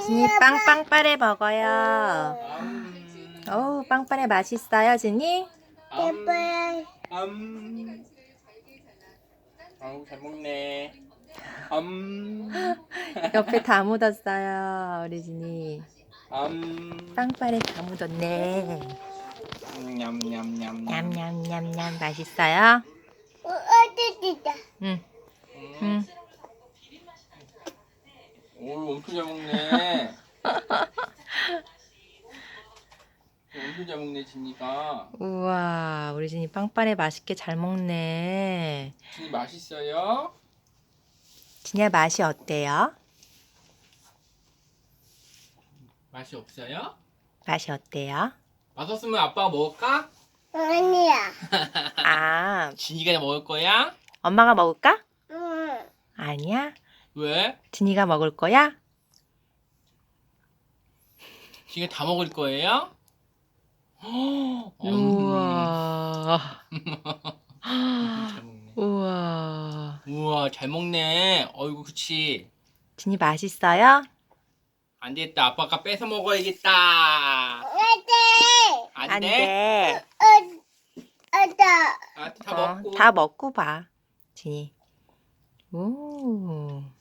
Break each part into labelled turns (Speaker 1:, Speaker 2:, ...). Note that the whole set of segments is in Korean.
Speaker 1: 진이 빵빵빠레 먹어요. 어우, 빵빠레 맛있어요, 진이?
Speaker 2: 아우 잘 먹네.
Speaker 1: 옆에 다 묻었어요, 우리 진이.
Speaker 2: 냠냠냠냠.
Speaker 1: 빵빠레 다 묻었네. 냠냠냠냠 맛있어요? 응, 응.
Speaker 2: 오 엄청 잘 먹네. 엄청 잘 먹네 진이가.
Speaker 1: 우와, 우리 진이 빵빠레 맛있게 잘 먹네.
Speaker 2: 진이 맛있어요?
Speaker 1: 진이야, 맛이 어때요?
Speaker 2: 맛이 없어요?
Speaker 1: 맛이 어때요?
Speaker 2: 맛없으면 아빠가 먹을까?
Speaker 3: 아니야.
Speaker 1: 아,
Speaker 2: 진이가 먹을 거야?
Speaker 1: 엄마가 먹을까?
Speaker 3: 응.
Speaker 1: 아니야.
Speaker 2: 왜?
Speaker 1: 진이가 먹을 거야?
Speaker 2: 진이가 다 먹을 거예요?
Speaker 1: 우와.
Speaker 2: 잘 먹네.
Speaker 1: 우와.
Speaker 2: 우와 잘 먹네. 어이구 그치.
Speaker 1: 진이 맛있어요?
Speaker 2: 안 되겠다. 아빠가 뺏어 먹어야겠다. 안
Speaker 1: 안
Speaker 2: 돼?
Speaker 1: 돼.
Speaker 2: 아, 다 먹고.
Speaker 1: 다 먹고 봐. 진이. 오.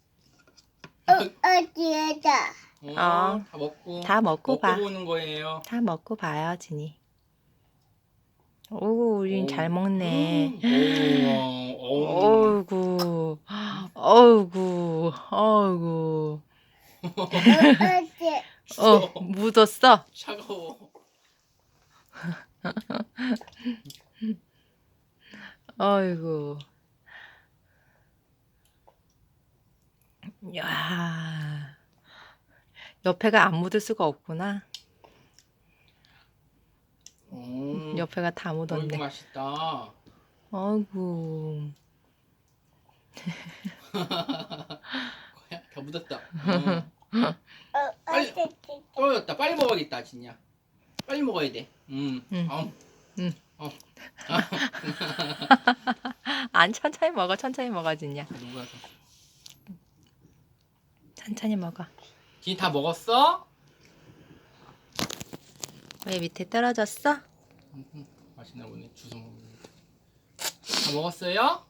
Speaker 3: 어디에다?
Speaker 2: 다 먹고.
Speaker 1: 다 먹고 봐.
Speaker 2: 보는 거예요.
Speaker 1: 다 먹고 봐요, 진이. 오, 우린 잘 먹네. 어이구. 어이구. 어이구.
Speaker 3: 어디?
Speaker 1: 묻었어.
Speaker 2: 차가워.
Speaker 1: 어이구. 야. 옆에가 안 묻을 수가 없구나. 옆에가 다
Speaker 2: 어이구
Speaker 1: 묻었네.
Speaker 2: 맛있다.
Speaker 1: 어이구.
Speaker 2: 다 묻었다.
Speaker 3: 어디?
Speaker 2: 떨어졌다. 빨리 먹어야겠다, 진이야. 빨리 먹어야 돼.
Speaker 1: 응.
Speaker 2: 아우.
Speaker 1: 안 천천히 먹어. 천천히 먹어, 진이야.
Speaker 2: 녹아서.
Speaker 1: 천천히 먹어.
Speaker 2: 진이 다 먹었어?
Speaker 1: 왜 밑에 떨어졌어?
Speaker 2: 맛있나 보네. 주워 먹는 거. 다 먹었어요?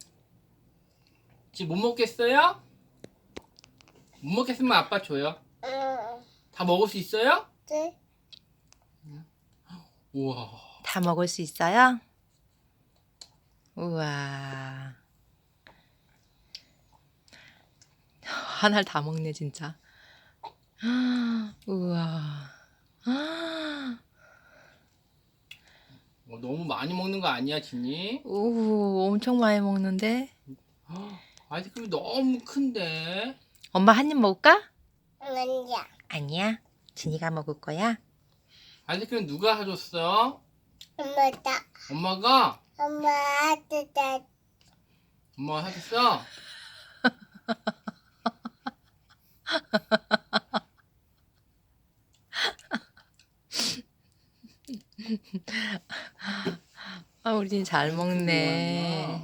Speaker 2: 지금 못 먹겠어요? 못 먹겠으면 아빠 줘요.
Speaker 3: 응.
Speaker 2: 다 먹을 수 있어요?
Speaker 3: 네.
Speaker 2: 우와.
Speaker 1: 다 먹을 수 있어요? 우와. 하나를 다 먹네, 진짜. 우와.
Speaker 2: 너무 많이 먹는 거 아니야, 진이?
Speaker 1: 오, 엄청 많이 먹는데?
Speaker 2: 아이스크림이 너무 큰데?
Speaker 1: 엄마 한 입 먹을까?
Speaker 3: 아니야.
Speaker 1: 아니야. 진이가 먹을 거야?
Speaker 2: 아이스크림 누가 사줬어?
Speaker 3: 엄마다.
Speaker 2: 엄마가?
Speaker 3: 엄마 아뜨다.
Speaker 2: 엄마가 사줬어?
Speaker 1: 아, 우리 진이 잘 먹네.